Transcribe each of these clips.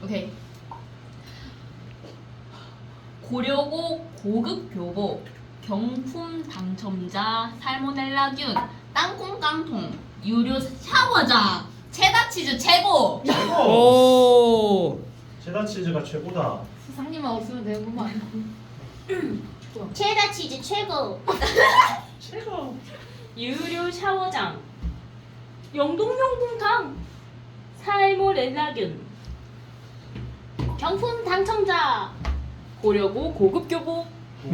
오케이. 고려고 고급 교복 경품 당첨자 살모넬라균 땅콩 깡통 유료 샤워장 체다 치즈 최고. 최고. 오. 체다 치즈가 최고다. 수상님만 없으면 되는구만. 체다 치즈 최고. 최고. 유료 샤워장 영동용봉탕 살모렐라균 경품 당첨자 고려고 고급 교복.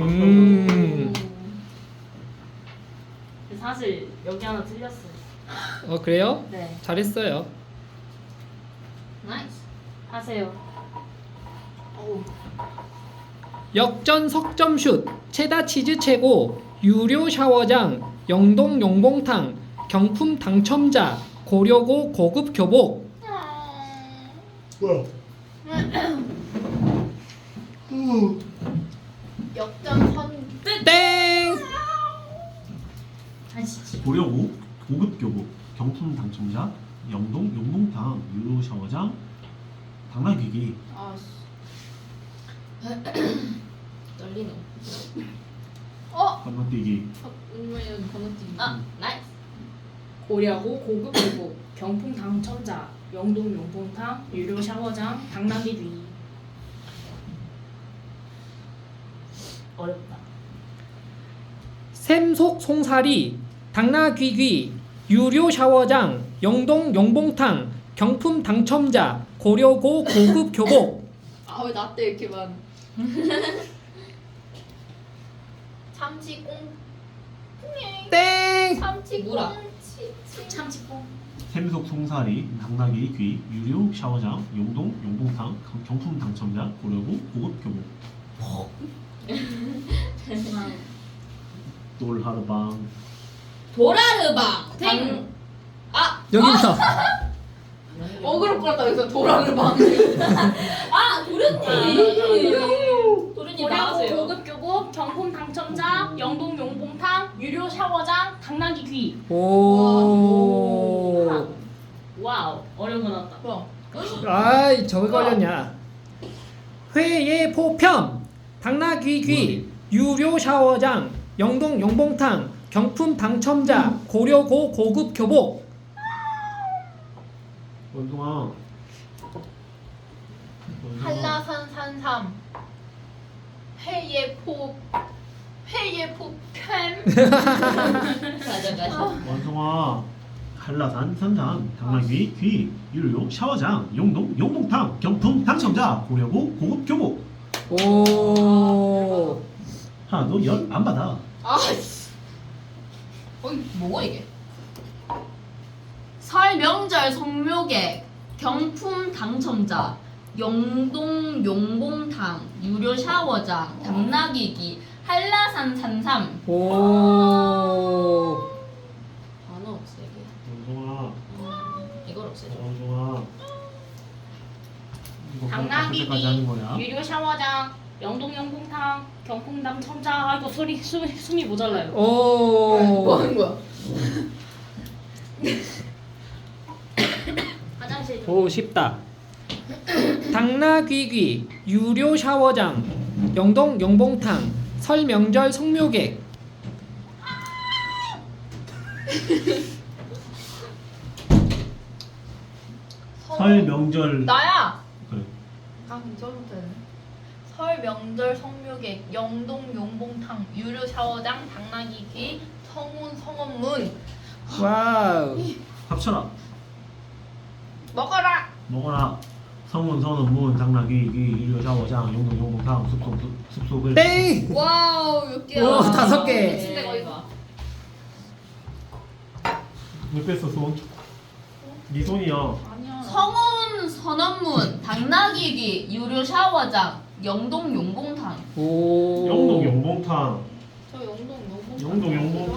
사실 여기 하나 틀렸어요. 그래요? 네, 잘했어요. 나이스. 하세요. 역전 석점슛 체다 치즈 최고 유료 샤워장 영동 용봉탕 경품 당첨자 고려고 고급 교복. 뭐야? 역전 땡. 다시. 고려고 고급 교복 경품 당첨자 영동 용봉탕 유료 샤워장 당나귀기. 아씨. 떨리노. 건너뛰기. 은근히 건너뛰기. 나이스. 고려고 고급 교복 경품 당첨자 영동용봉탕 유료 샤워장 당나귀 뒤. 어렵다. 샘속 송사리 당나귀귀 유료 샤워장 영동 용봉탕 경품 당첨자 고려고 고급 교복. 아 왜 나 때 이렇게만. 참치꽁. 땡. 뭐라? 참치뽕. 샘속 송사리 당나귀 귀 유료 샤워장 용동 용봉탕 경품 당첨자 고려고 고급 교복. 돌하르방. 도라르방. 땡. 여기서 어그로 끌었다 여기서 도라르방. 도련님. 도련님 고려고 나와세요. 고급 교복 경품 당첨자 영동용봉탕 유료 샤워장 당나귀 귀. 오. 와우, 어려운 거 나왔다. 뭐야? 아이 저거 걸렸냐. 회의 포편 당나귀귀 유료 샤워장 영동 용봉탕 경품 당첨자 고려고 고급 교복. 원숭아. 한라산산삼 회예포 편. 가자. 원숭아. 한라산 산삼 당나귀 귀 유료 샤워장 용동 용봉탕 경품 당첨자 고려고 고급 교복. 오. 하나도 열 안 받아. 아씨. 어이 뭐가 이게? 설 명절 성묘객 경품 당첨자 영동 용봉탕 유료 샤워장 당나귀기 한라산 산삼. 오. 단어 없애기. 원숭아. 이걸 없애줘. 원숭아. 이거 당나귀 언제까지 하는 거야? 귀 유료 샤워장 영동용봉탕 경품 당첨자. 아 이거 숨이 모자라요. 오. 뭐 하는 거야? 화장실 좀. 오 쉽다. 당나귀귀 유료 샤워장 영동 용봉탕 설 명절 성묘객. 설 명절. 나야. 그래. 저부터 했네. 설 명절 성묘객 영동 용봉탕 유료 샤워장 당나귀귀 성운 성원문. 와우. 합쳐라. 먹어라. 먹어라. 성문 선원 문 당나귀 귀 유료 샤워장 용동 용봉탕 숲속을. 땡. 와우 몇 개야? 오, 5개. 침대 거의 봐. 왜 뺐어 손? 네 손이야. 아니야. 성운 선원문 당나귀귀 유료 샤워장 영동 용봉탕. 오. 영동 용봉탕. 저 영동 용봉탕. 영동 용봉탕.